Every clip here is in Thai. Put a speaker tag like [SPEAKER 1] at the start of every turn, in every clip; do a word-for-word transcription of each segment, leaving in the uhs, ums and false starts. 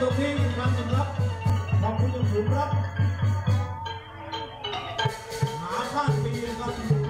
[SPEAKER 1] รงนี้อีกครั้งหนึ่งครับขอบคุณอย่างสูงครับหาข้างปีนะครับ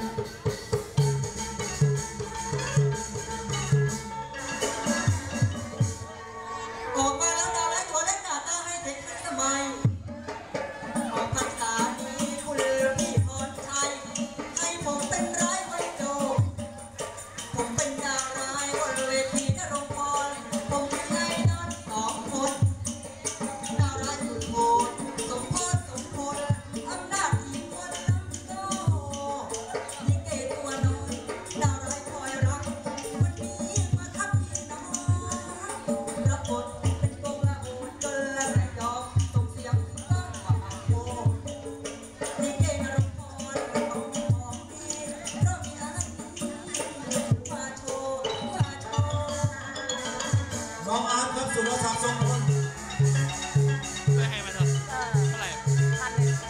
[SPEAKER 2] ออกมาแล้วดาวไร้ตัวเล็กหน้าตาให้เด็กทันสมัยออกพรรษานี้คุณพี่พรชัยให้ผมเป็นร้ายไว้โจผมเป็นดาวร้ายบนเวทีนรงพรผมมีไอ้นอนสองคนดาวร้ายสุดโหดสมพรสมพลอำนาจอีกคนล้ำโตยิ่งเกตัวน้อยดาวร้ายคอยรักวันนี้มาทับพี่น้องรับบทเป็นกงละอูจนละแสงดอกส่งเสียงต้อนว่าอาโคยิ่งเกนรงพรต้องของดีเพราะมีอะไรมาโชว์มาโชว์
[SPEAKER 1] น้องอาร์ตครับสุรศักดิ์ทรงพล
[SPEAKER 3] ไม่ให้มาเถอะเท่าไหร่พันหนึ่ง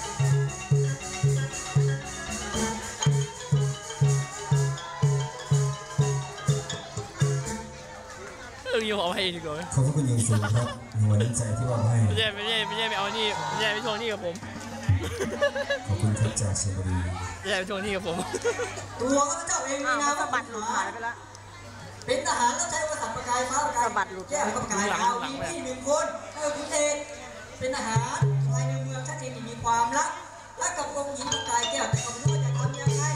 [SPEAKER 3] เรื่องนี้ผมเอาให้ดีกว่าไหม
[SPEAKER 4] ขอบคุณอย่างสูงครับหัวน้ำใจที่วางให้
[SPEAKER 3] ไม่ใช่ไม่ใช่ไม่ใช่ไปเอานี่ไม่ใช่ไปทวงนี่กับผม
[SPEAKER 4] ขอบคุณครับจากชลบุรี
[SPEAKER 3] ไม่ใช่ไปทวงนี่กับผม
[SPEAKER 2] ตัวข้าพเจ้าเองมีนามว่าบัตรหลุดหายไปแล้วเป็นทหารแล้วใช้ภาษาประกายฟ้าประกายบัตรหลุดแก้วประกายดาวมีพี่หนึ่งคนคือคุณเอกเป็นทหารภายในเมืองชัดเจนมีความรักและกับองค์หญิงประกายแก้วแต่ก็ไม่รู้ว่าจะทำยังไง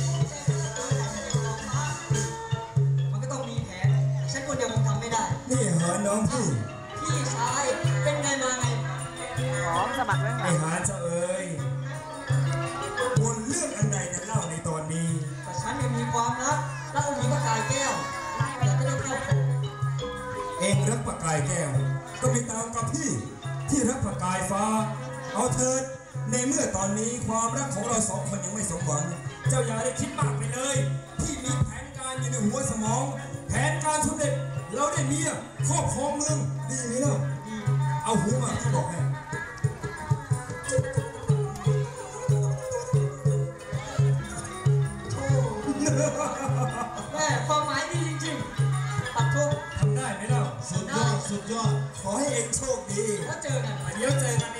[SPEAKER 2] มันก็ต้องมีแผนฉันคนเดียวคงทำไม่ได้
[SPEAKER 4] นี่เหรอน้องพี่
[SPEAKER 2] พี่ชายเป็นไงมาไงหอมสะบัดไว้ไง
[SPEAKER 4] ไอ้หาเจ้าเอ๋ยบนเรื่องอันใดกันเล่าในตอนนี้
[SPEAKER 2] แต่ฉันยังมีความรักและองค์หญิงประกายแก้วอยากจะได้ครอบครอง
[SPEAKER 4] เองรักประกายแก้วก็ไปตามกับพี่ที่รักประกายฟ้าเอาเถิดในเมื่อตอนนี้ความรักของเราสองคนยังไม่สมหวังเจ้าอย่าได้คิดมากไปเลยที่มีแผนการอยู่ในหัวสมองแผนการสำเร็จเราได้เมียครอบครองเมืองดีไหมล่ะเอาหูมาที่บอกให้
[SPEAKER 2] แม่ความหมายดีจริงๆปัดทุก
[SPEAKER 4] ทำได้ไหมล่ะ
[SPEAKER 1] สุดยอดสุดยอด
[SPEAKER 4] ขอให้เองโชคดี
[SPEAKER 2] แล้วเจอกัน
[SPEAKER 4] เดี๋ยวเจอกัน